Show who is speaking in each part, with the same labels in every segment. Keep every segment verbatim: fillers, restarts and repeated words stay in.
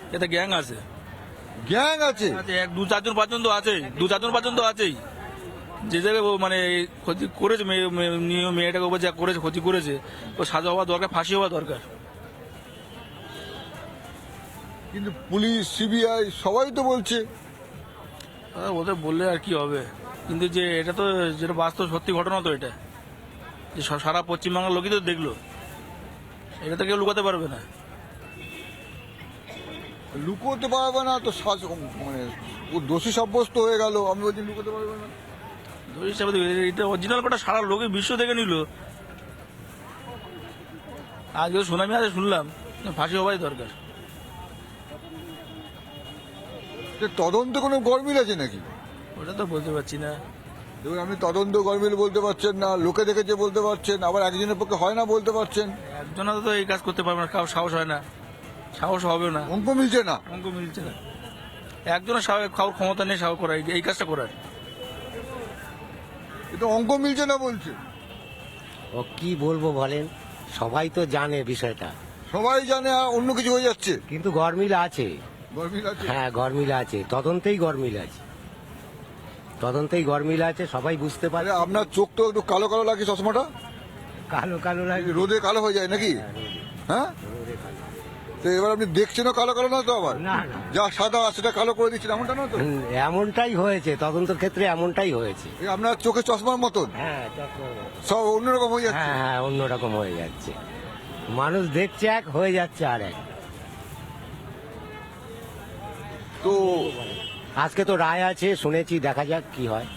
Speaker 1: এতে গ্যাং আছে,
Speaker 2: গ্যাং আছে?
Speaker 1: আছে, এক দু চারজন পাঁচজন তো আছেই, দু চারজন পাঁচজন তো আছেই। যে জায়গায় ও মানে ক্ষতি করেছে, মেয়ে- মেয়ে- মেয়ে- মেয়েটাকে উপর যা করেছে, ক্ষতি করেছে, ও সাজা হওয়া দরকার, ফাঁসি হওয়া দরকার।
Speaker 2: কিন্তু পুলিশ, সিবিআই সবাই তো বলছে।
Speaker 1: আহ, ওদের বললে আর কি হবে, কিন্তু যে এটা তো যেটা বাস্তব সত্যি ঘটনা তো এটা, যে সা- সারা পশ্চিমবাংলার লোকই তো দেখলো, এটা তো কেউ লুকাতে পারবে না।
Speaker 2: লুকোতে পারবে না তো, সাজ- মানে ও দোষী সাব্যস্ত হয়ে গেল, আমি বলছি লুকোতে পারবে না।
Speaker 1: দোষী হিসাবে তো এটা অরিজিনাল কথা সারা লোকে বিশ্ব দেখে নিল। আজকে সুনামি আছে শুনলাম, ফাঁসি হওয়াই দরকার।
Speaker 2: যে তদন্ত কোনো গরমিল আছে নাকি?
Speaker 1: ওটা তো বলতে পারছি না।
Speaker 2: দেখুন, আপনি তদন্ত গরমিল বলতে পারছেন না, লোকে দেখেছে বলতে পারছেন, আবার একজনের পক্ষে হয় না বলতে পারছেন।
Speaker 1: একজনা তো এই কাজ করতে পারবে না, কারো সাহস হয় না, সাহস হবে না,
Speaker 2: অঙ্ক মিলছে না।
Speaker 1: অঙ্ক মিলছে না। একজনের সাহস খাওয়ার ক্ষমতা নেই সাহস করার, এই কাজটা করার।
Speaker 2: এটা অঙ্ক মিলছে না বলছে।
Speaker 3: ও কি বলবো বলেন, সবাই তো জানে বিষয়টা,
Speaker 2: সবাই জানে, আর অন্য কিছু হয়ে যাচ্ছে।
Speaker 3: কিন্তু গরমিল আছে।
Speaker 2: গরমিল আছে।
Speaker 3: হ্যাঁ, গরমিল আছে, তদন্তেই গরমিল আছে, তদন্তেই গরমিল আছে, সবাই বুঝতে পারে।
Speaker 2: আরে আপনার চোখ তো একটু কালো কালো লাগে, চশমাটা
Speaker 3: কালো কালো লাগে।
Speaker 2: রোদে কালো হয়ে যায় নাকি? হ্যাঁ, তো এবার আপনি দেখছেনও কালো কালো না তো, আবার
Speaker 3: না, না।
Speaker 2: যা সাদা সেটা কালো করে দিচ্ছেন, এমনটা না তো?
Speaker 3: হুম, এমনটাই হয়েছে, তদন্তের ক্ষেত্রে এমনটাই হয়েছে।
Speaker 2: এই আপনার চোখে চশমার মতন
Speaker 3: হ্যাঁ,
Speaker 2: সব অন্যরকম হয়ে যাচ্ছে।
Speaker 3: হ্যাঁ হ্যাঁ অন্যরকম হয়ে যাচ্ছে, মানুষ দেখছে এক, হয়ে যাচ্ছে আর এক।
Speaker 2: তো
Speaker 3: আজকে তো রায় আছে শুনেছি, দেখা যাক কি হয়।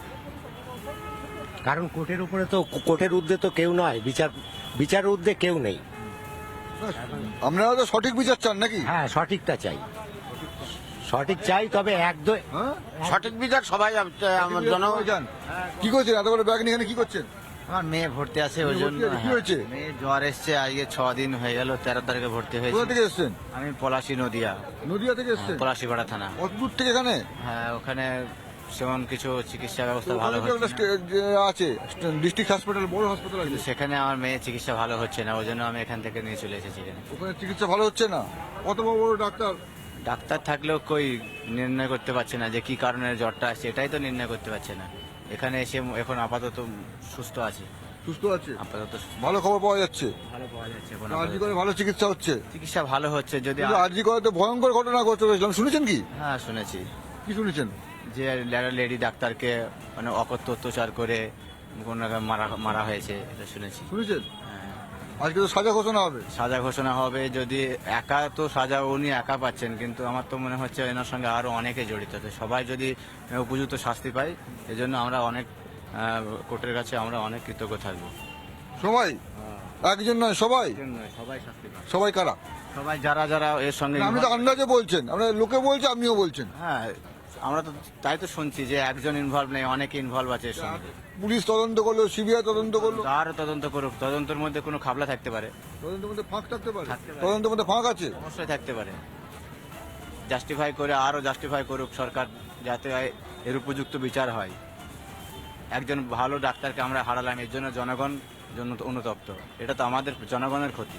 Speaker 3: কারণ কোর্টের উপরে তো, কোর্টের ঊর্ধ্বে তো কেউ নয়, বিচার বিচার ঊর্ধ্বে কেউ নেই।
Speaker 2: আপনারা তো সঠিক বিচার চান নাকি?
Speaker 3: হ্যাঁ, সঠিকটা চাই, সঠিক চাই, তবে এক দু
Speaker 2: হ্যাঁ,
Speaker 4: সঠিক বিচার সবাই আমার জন
Speaker 2: সবাই চান। কি করছেন এত বড় ব্যাগ নিয়ে এখানে কি করছেন?
Speaker 4: আমার মেয়ে ভর্তি আছে ওই
Speaker 2: মেয়ে
Speaker 4: জন্য।
Speaker 2: ভর্তি আছে? কি
Speaker 4: হ্যাঁ।
Speaker 2: হয়েছে?
Speaker 4: মেয়ে জ্বর এসছে, আজকে ছ দিন হয়ে গেল, তেরো তারিখে ভর্তি
Speaker 2: কোথা
Speaker 4: হয়েছে।
Speaker 2: থেকে এসছেন?
Speaker 4: আমি পলাশী নদিয়া,
Speaker 2: নদিয়া থেকে এসছেন?
Speaker 4: পলাশীপাড়া থানা।
Speaker 2: কত দূর থেকে এখানে?
Speaker 4: হ্যাঁ, ওখানে সেমন কিছু চিকিৎসা ব্যবস্থা ভালো
Speaker 2: ওখানে
Speaker 4: হচ্ছে
Speaker 2: যে
Speaker 4: না।
Speaker 2: একটা যে আছে ডিস্ট্রিক্ট হসপিটাল, বড় হসপিটাল আছে,
Speaker 4: কিন্তু সেখানে আমার মেয়ে চিকিৎসা ভালো হচ্ছে না, ওই জন্য আমি এখান থেকে নিয়ে চলে এসেছি এখানে।
Speaker 2: ওখানে চিকিৎসা ভালো হচ্ছে না। কত বড় বড় ডাক্তার,
Speaker 4: ডাক্তার থাকলেও কই নির্ণয় করতে পারছে না যে কি কারণে জ্বরটা আসছে, এটাই তো নির্ণয় করতে পারছে না। এখানে এসে এখন আপাতত সুস্থ আছে,
Speaker 2: সুস্থ আছে,
Speaker 4: আপাতত
Speaker 2: ভালো খবর পাওয়া যাচ্ছে।
Speaker 4: ভালো পাওয়া যাচ্ছে এখন
Speaker 2: আরজি
Speaker 4: আপাতত।
Speaker 2: করে ভালো চিকিৎসা হচ্ছে।
Speaker 4: চিকিৎসা ভালো হচ্ছে যদি
Speaker 2: কিন্তু আরজি করে তো ভয়ঙ্কর ঘটনা ঘটতে হয়েছিল, শুনেছেন কি?
Speaker 4: হ্যাঁ শুনেছি,
Speaker 2: কি শুনেছেন?
Speaker 4: যে লেডি ডাক্তারকে মানে অকথ্য অত্যাচার করে কোন রকম মারা মারা হয়েছে, এটা শুনেছি।
Speaker 2: শুনেছেন?
Speaker 4: হ্যাঁ।
Speaker 2: আজকে তো সাজা ঘোষণা হবে।
Speaker 4: সাজা ঘোষণা হবে, যদি একা তো সাজা উনি একা পাচ্ছেন, কিন্তু আমার তো মনে হচ্ছে এনার সঙ্গে আরো অনেকে জড়িত আছে। সবাই যদি উপযুক্ত শাস্তি পায়, এজন্য আমরা অনেক আহ, কোর্টের কাছে আমরা অনেক কৃতজ্ঞ থাকবো।
Speaker 2: সবাই, একজন নয় সবাই।
Speaker 4: সবাই শাস্তি পায়,
Speaker 2: সবাই কারা?
Speaker 4: সবাই যারা যারা এর সঙ্গে
Speaker 2: না, আপনি তো আন্দাজে বলছেন, আপনার লোকে বলছে, আপনিও বলছেন।
Speaker 4: হ্যাঁ, আমরা তো তাই তো শুনছি যে একজন ইনভলভ নেই, অনেকে ইনভলভ আছে এর সঙ্গে।
Speaker 2: পুলিশ তদন্ত করলো, সিবিআই তদন্ত করলো,
Speaker 4: আরো তদন্ত করুক, তদন্তের মধ্যে কোনো খাবলা থাকতে পারে,
Speaker 2: তদন্তের মধ্যে ফাঁক থাকতে পারে।
Speaker 4: থাকতে পারে।
Speaker 2: তদন্তের মধ্যে ফাঁক আছে।
Speaker 4: অবশ্যই থাকতে পারে। জাস্টিফাই করে আরো জাস্টিফাই করুক সরকার, যাতে এর উপযুক্ত বিচার হয়। একজন ভালো ডাক্তারকে আমরা হারালাম, এর জন্য জনগণ জন্য অনুতপ্ত, এটা তো আমাদের জনগণের ক্ষতি।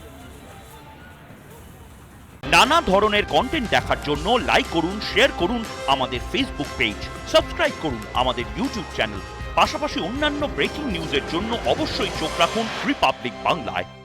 Speaker 5: নানা ধরনের কন্টেন্ট দেখার জন্য লাইক করুন, শেয়ার করুন আমাদের ফেসবুক পেজ, সাবস্ক্রাইব করুন আমাদের ইউটিউব চ্যানেল। পাশাপাশি অন্যান্য ব্রেকিং নিউজের জন্য অবশ্যই চোখ রাখুন রিপাবলিক বাংলায়।